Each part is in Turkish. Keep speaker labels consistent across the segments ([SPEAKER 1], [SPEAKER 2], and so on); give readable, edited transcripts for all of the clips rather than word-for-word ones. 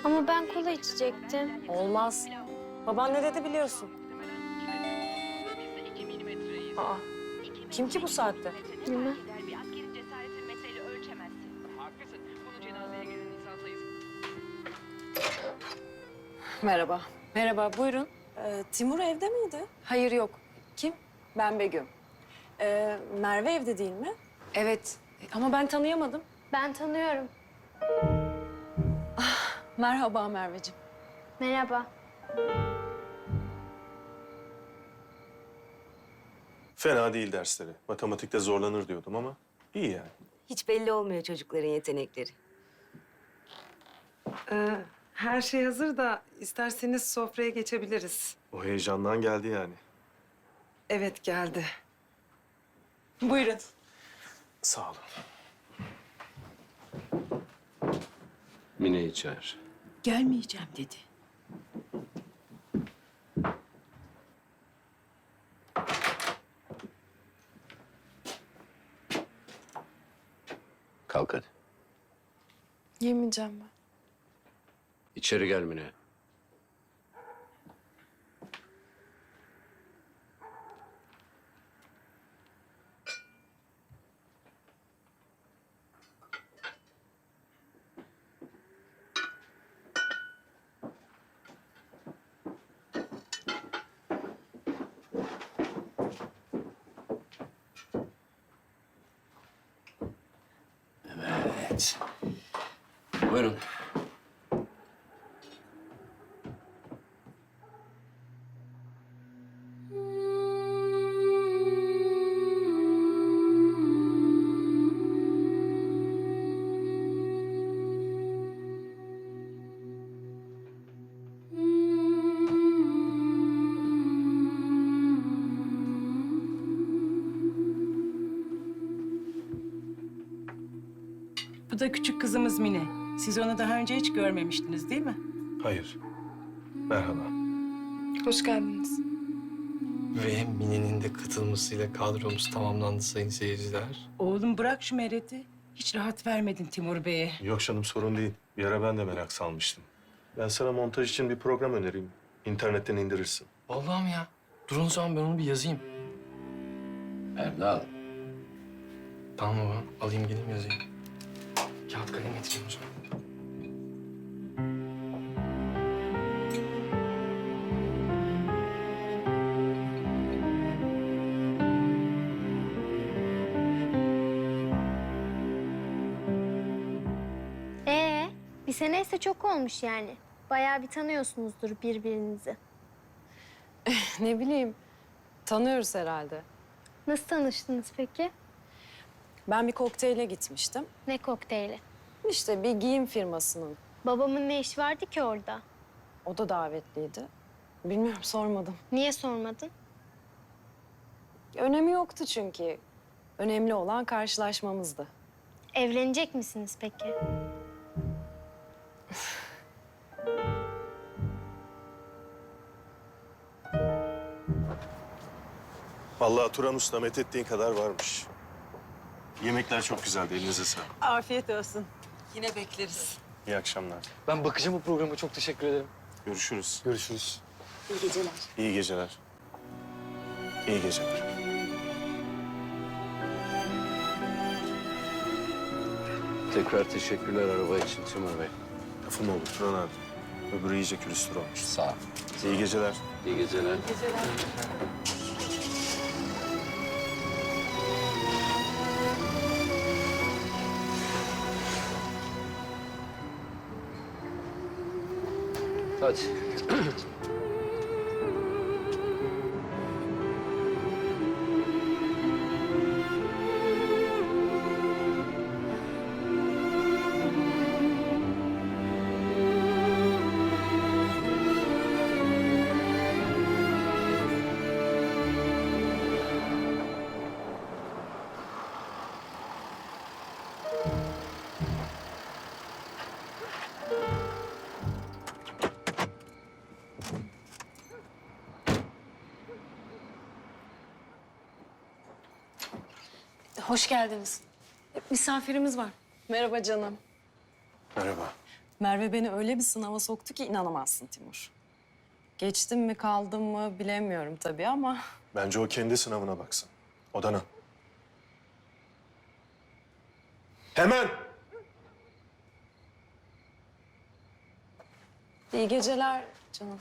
[SPEAKER 1] Ama ben kola içecektim.
[SPEAKER 2] Olmaz. Baban ne dedi biliyorsun. Aa, kim ki bu saatte?
[SPEAKER 1] Bilmem.
[SPEAKER 3] Bir askerin cesaretini metreyle ölçemezsin. Haklısın. Bunu cenazeye gelen insan sayısı.
[SPEAKER 4] Merhaba.
[SPEAKER 2] Merhaba, buyurun.
[SPEAKER 4] Timur evde miydi?
[SPEAKER 2] Hayır, yok. Kim?
[SPEAKER 4] Ben Begüm. Merve evde değil mi?
[SPEAKER 2] Evet, ama ben tanıyamadım.
[SPEAKER 1] Ben tanıyorum.
[SPEAKER 4] Merhaba Merveciğim.
[SPEAKER 1] Merhaba.
[SPEAKER 5] Fena değil dersleri. Matematikte zorlanır diyordum ama iyi yani.
[SPEAKER 6] Hiç belli olmuyor çocukların yetenekleri.
[SPEAKER 7] Her şey hazır da isterseniz sofraya geçebiliriz.
[SPEAKER 5] O heyecandan geldi yani.
[SPEAKER 7] Evet geldi.
[SPEAKER 4] Buyurun.
[SPEAKER 5] Sağ olun.
[SPEAKER 8] Mine'yi çağır.
[SPEAKER 9] Gelmeyeceğim dedi.
[SPEAKER 8] Kalk hadi.
[SPEAKER 4] Yemeyeceğim ben.
[SPEAKER 8] İçeri gel Mine. Evet. Buyurun.
[SPEAKER 9] Bu da küçük kızımız Mine. Siz onu daha önce hiç görmemiştiniz değil mi?
[SPEAKER 5] Hayır. Merhaba.
[SPEAKER 4] Hoş geldiniz.
[SPEAKER 10] Ve Mine'nin de katılmasıyla kadromuz tamamlandı sayın seyirciler.
[SPEAKER 9] Oğlum bırak şu mereti. Hiç rahat vermedin Timur Bey'e.
[SPEAKER 5] Yok canım sorun değil. Bir ara ben de merak salmıştım. Ben sana montaj için bir program önereyim. İnternetten indirirsin.
[SPEAKER 10] Vallahi mi ya? Durun o zaman ben onu bir yazayım.
[SPEAKER 8] Erdal.
[SPEAKER 10] Tamam baba, alayım geleyim yazayım. Kağıt kalem getireyim o zaman.
[SPEAKER 1] Bir seneyse çok olmuş yani. Bayağı bir tanıyorsunuzdur birbirinizi.
[SPEAKER 4] Ne bileyim, tanıyoruz herhalde.
[SPEAKER 1] Nasıl tanıştınız peki?
[SPEAKER 4] Ben bir kokteyle gitmiştim.
[SPEAKER 1] Ne kokteyli?
[SPEAKER 4] İşte bir giyim firmasının.
[SPEAKER 1] Babamın ne işi vardı ki orada?
[SPEAKER 4] O da davetliydi. Bilmiyorum, sormadım.
[SPEAKER 1] Niye sormadın?
[SPEAKER 4] Önemi yoktu çünkü. Önemli olan karşılaşmamızdı.
[SPEAKER 1] Evlenecek misiniz peki?
[SPEAKER 5] Vallahi Turan Usta methettiğin kadar varmış. Yemekler çok güzeldi. Elinize sağlık.
[SPEAKER 9] Afiyet olsun.
[SPEAKER 7] Yine bekleriz.
[SPEAKER 5] İyi akşamlar.
[SPEAKER 10] Ben bakacağım bu programa, çok teşekkür ederim.
[SPEAKER 5] Görüşürüz.
[SPEAKER 10] Görüşürüz.
[SPEAKER 6] İyi geceler.
[SPEAKER 5] İyi geceler. İyi geceler.
[SPEAKER 8] Tekrar teşekkürler araba için Timur Bey.
[SPEAKER 5] Lafım olur Turan abi. Öbürü iyice külüstür olmuş.
[SPEAKER 8] Sağ ol.
[SPEAKER 5] İyi geceler.
[SPEAKER 8] İyi geceler. Hadi.
[SPEAKER 2] Hoş geldiniz. Misafirimiz var.
[SPEAKER 4] Merhaba canım.
[SPEAKER 5] Merhaba.
[SPEAKER 4] Merve beni öyle bir sınava soktu ki inanamazsın Timur. Geçtim mi kaldım mı bilemiyorum tabii ama...
[SPEAKER 5] Bence o kendi sınavına baksın. Odana. Hemen!
[SPEAKER 4] İyi geceler canım.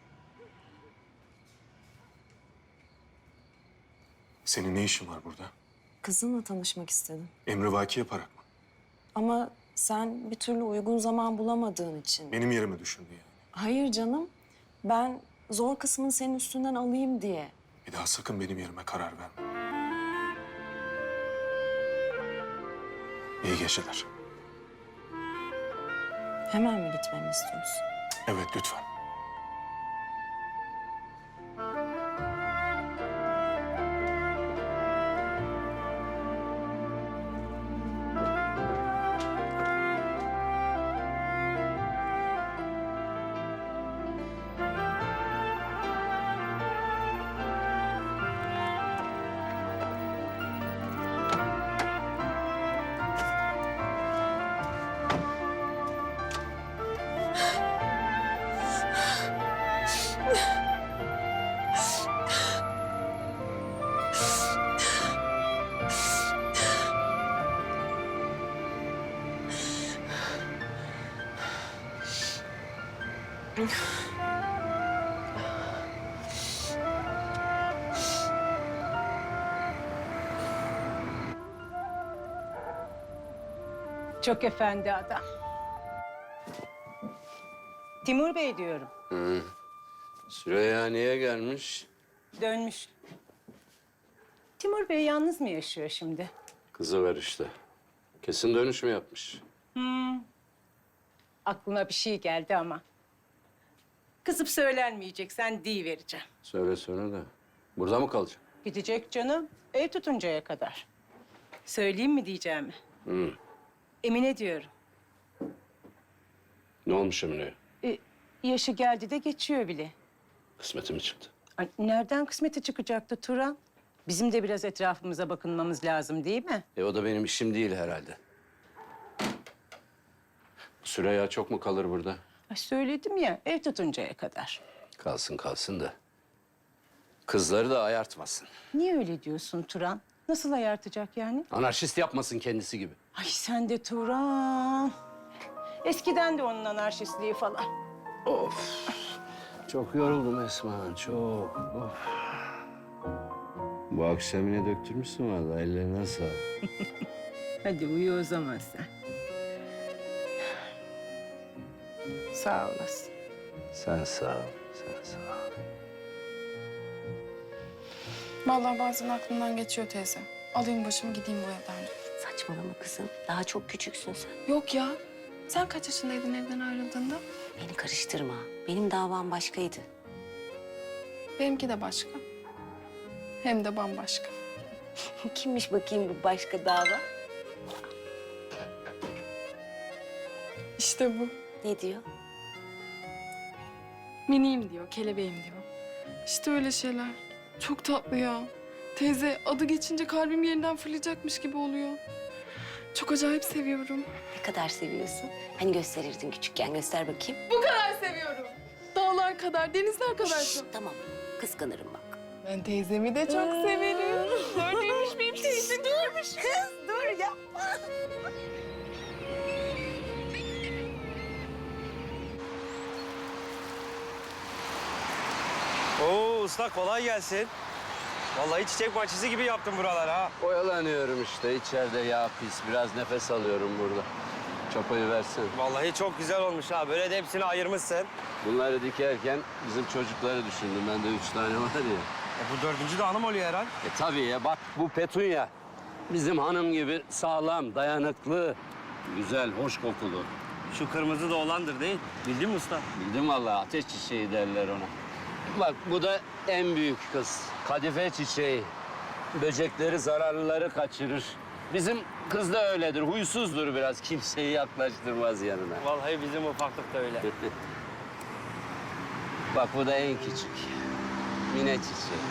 [SPEAKER 5] Senin ne işin var burada?
[SPEAKER 4] Kızınla tanışmak istedim.
[SPEAKER 5] Emrivaki yaparak mı?
[SPEAKER 4] Ama sen bir türlü uygun zaman bulamadığın için...
[SPEAKER 5] Benim yerime düşündü yani.
[SPEAKER 4] Hayır canım. Ben zor kısmını senin üstünden alayım diye.
[SPEAKER 5] Bir daha sakın benim yerime karar verme. İyi geceler.
[SPEAKER 4] Hemen mi gitmemi istiyorsun?
[SPEAKER 5] Evet, lütfen.
[SPEAKER 9] Çok efendi adam. Timur Bey diyorum.
[SPEAKER 8] Süreyya niye gelmiş?
[SPEAKER 9] Dönmüş. Timur Bey yalnız mı yaşıyor şimdi?
[SPEAKER 8] Kızı ver işte. Kesin dönüş mü yapmış?
[SPEAKER 9] Aklıma bir şey geldi ama. Kızıp söylenmeyecek, sen vereceğim.
[SPEAKER 8] Söyle de. Burada mı kalacak?
[SPEAKER 9] Gidecek canım, ev tutuncaya kadar. Söyleyeyim mi diyeceğimi?
[SPEAKER 8] Hı.
[SPEAKER 9] Emine diyorum.
[SPEAKER 8] Ne olmuş Emine'ye?
[SPEAKER 9] Yaşı geldi de geçiyor bile.
[SPEAKER 8] Kısmeti mi çıktı?
[SPEAKER 9] Ay, nereden kısmeti çıkacaktı Turan? Bizim de biraz etrafımıza bakınmamız lazım değil mi?
[SPEAKER 8] O da benim işim değil herhalde. Süreyya çok mu kalır burada?
[SPEAKER 9] Ay, söyledim ya, ev tutuncaya kadar.
[SPEAKER 8] Kalsın da. Kızları da ayartmasın.
[SPEAKER 9] Niye öyle diyorsun Turan? Nasıl ayartacak yani?
[SPEAKER 8] Anarşist yapmasın kendisi gibi.
[SPEAKER 9] Ay sen de Turan. Eskiden de onun anarşistliği falan.
[SPEAKER 8] Of. Çok yoruldum Esma, çok. Of. Bu akşam yine döktürmüşsün vallahi, ellerine sağlık.
[SPEAKER 9] Hadi uyu o zaman sen. Sağ olasın.
[SPEAKER 8] Sen sağ ol, sen sağ ol.
[SPEAKER 11] Vallahi bazen aklımdan geçiyor teyze. Alayım başımı gideyim bu evden.
[SPEAKER 6] Saçmalama kızım. Daha çok küçüksün sen.
[SPEAKER 11] Yok ya. Sen kaç yaşındaydın evden ayrıldığında?
[SPEAKER 6] Beni karıştırma. Benim davam başkaydı.
[SPEAKER 11] Benimki de başka. Hem de bambaşka.
[SPEAKER 6] Kimmiş bakayım bu başka dava?
[SPEAKER 11] İşte bu.
[SPEAKER 6] Ne diyor?
[SPEAKER 11] Miniyim diyor, kelebeğim diyor. İşte öyle şeyler. Çok tatlı ya. Teyze adı geçince kalbim yeniden fırlayacakmış gibi oluyor. Çok acayip seviyorum.
[SPEAKER 6] Ne kadar seviyorsun? Hani gösterirdin küçükken, göster bakayım.
[SPEAKER 11] Bu kadar seviyorum. Dağlar kadar, denizler kadar
[SPEAKER 6] Şşş,
[SPEAKER 11] çok.
[SPEAKER 6] tamam. Kıskanırım bak.
[SPEAKER 11] Ben teyzemi de çok severim. Gördüymüş benim teyze. Durmuş kız. Dur yapma.
[SPEAKER 12] Oo usta kolay gelsin. Vallahi çiçek bahçesi gibi yaptın buralar ha.
[SPEAKER 8] Oyalanıyorum işte, içeride yağ pis. Biraz nefes alıyorum burada. Çapayı versin.
[SPEAKER 12] Vallahi çok güzel olmuş ha. Böyle de hepsini ayırmışsın.
[SPEAKER 8] Bunları dikerken bizim çocukları düşündüm. Bende 3 tane var ya.
[SPEAKER 12] Bu dördüncü de hanım oluyor herhal.
[SPEAKER 8] Tabii ya, bak bu Petunya. Bizim hanım gibi sağlam, dayanıklı, güzel, hoş kokulu.
[SPEAKER 12] Şu kırmızı da olandır değil. Bildin mi usta?
[SPEAKER 8] Bildim vallahi, ateş çiçeği derler ona. Bak bu da en büyük kız. Kadife çiçeği. Böcekleri, zararlıları kaçırır. Bizim kız da öyledir, huysuzdur biraz. Kimseyi yaklaştırmaz yanına.
[SPEAKER 12] Vallahi bizim ufaklık da öyle.
[SPEAKER 8] Bak bu da en küçük. Mine çiçeği.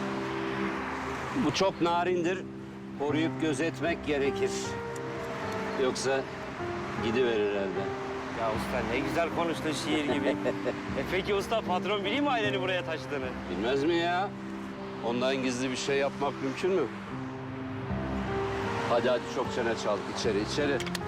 [SPEAKER 8] Bu çok narindir. Koruyup gözetmek gerekir. Yoksa gidiverir elden.
[SPEAKER 12] Ya usta ne güzel konuştun şiir gibi. Peki usta patron biliyor mu aileni buraya taşıdığını?
[SPEAKER 8] Bilmez mi ya? Ondan gizli bir şey yapmak mümkün mü? Hadi çok çene çal. İçeri.